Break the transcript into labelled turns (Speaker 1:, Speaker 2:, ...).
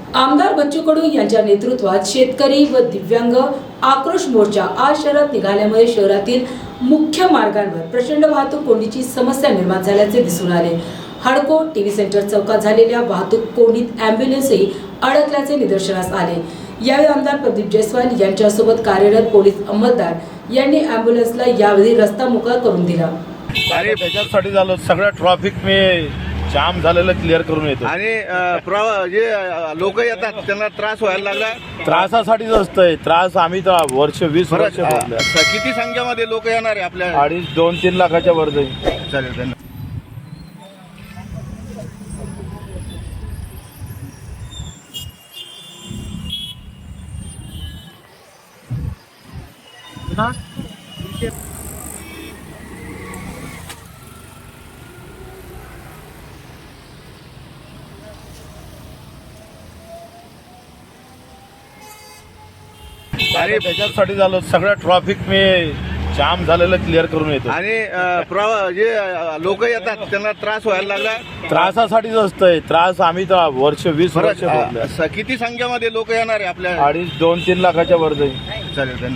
Speaker 1: आमदार बच्चू कडू यांच्या नेतृत्वात शेतकरी व दिव्यांग आक्रोश मोर्चा आज शहरात निघाल्यामुळे शहरातील मुख्य मार्गांवर प्रचंड वाहतूक कोंडीची समस्या निर्माण झाल्याचे दिसून आले। हडको टीव्ही सेंटर चौकात झालेल्या वाहतूक कोंडीत अँब्युलन्सही अडकल्याचे निदर्शनास आले। यावेळी आमदार प्रदीप जयस्वाल यांच्यासोबत कार्यरत पोलीस अंमलदार यांनी अँब्युलन्सला यावेळी रस्ता मोकळा करून दिला।
Speaker 2: आणि त्याच्यासाठी झालं सगळं ट्रॅफिक मी जाम झालेलं क्लिअर करून येतो।
Speaker 3: आणि जे लोक येतात त्यांना त्रास व्हायला लागला।
Speaker 2: त्रासासाठीच असतंय त्रास। आम्ही तर वर्ष 20 वर्ष भोगले।
Speaker 3: किती संख्येमध्ये लोक येणार आहे आपल्या?
Speaker 2: 2-3 लाखाच्या वर जाईल।
Speaker 3: चालेल, धन्यवाद।
Speaker 2: आणि त्याच्यासाठी झालं सगळं ट्रॅफिक मी जाम झालेलं क्लिअर करून येतो।
Speaker 3: आणि जे लोक येतात त्यांना त्रास व्हायला लागला।
Speaker 2: त्रासासाठीच असतंय त्रास। आम्ही तर वर्ष 20 वर्ष भोगले।
Speaker 3: किती संख्येमध्ये लोक येणार आहे आपल्या?
Speaker 2: 2-3 लाखाच्या वर जाईल।
Speaker 3: चालेल, धन्यवाद।